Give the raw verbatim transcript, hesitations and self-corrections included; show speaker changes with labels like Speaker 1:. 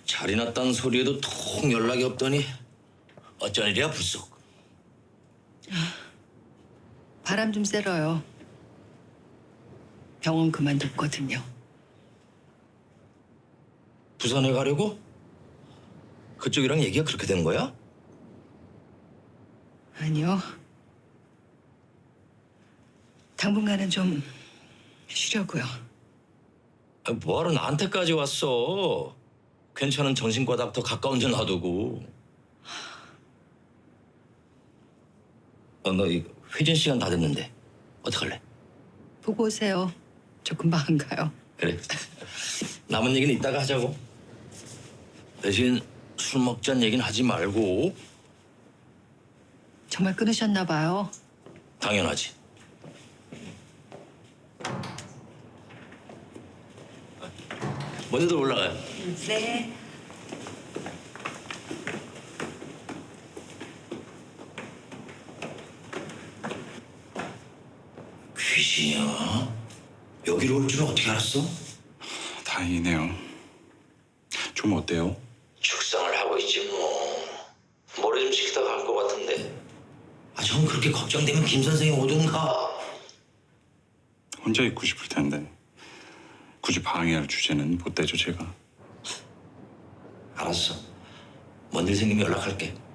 Speaker 1: 잘이 났다는 소리에도 통 연락이 없더니 어쩐 일이야 불쑥.
Speaker 2: 바람 좀 쐬러요. 병원 그만뒀거든요.
Speaker 1: 부산에 가려고? 그쪽이랑 얘기가 그렇게 된 거야?
Speaker 2: 아니요. 당분간은 좀 쉬려고요.
Speaker 1: 아, 뭐하러 나한테까지 왔어? 괜찮은 정신과 닥터 가까운 데 놔두고. 어, 너 이거 회진 시간 다 됐는데 어떡할래?
Speaker 2: 보고 오세요. 저 금방 안 가요.
Speaker 1: 그래. 남은 얘기는 이따가 하자고. 대신 술 먹자는 얘기는 하지 말고.
Speaker 2: 정말 끊으셨나 봐요.
Speaker 1: 당연하지. 먼저들 올라가요.
Speaker 2: 네.
Speaker 1: 귀신이야? 여기로 올 줄은 어떻게 알았어?
Speaker 3: 다행이네요. 좀 어때요?
Speaker 1: 축상을 하고 있지 뭐. 머리 좀 식히다 갈 것 같은데. 아, 전 그렇게 걱정되면 김 선생이 오든가.
Speaker 3: 혼자 있고 싶을 텐데 굳이 방해할 주제는 못 대죠 제가.
Speaker 1: 알았어. 뭔 일 생기면 연락할게.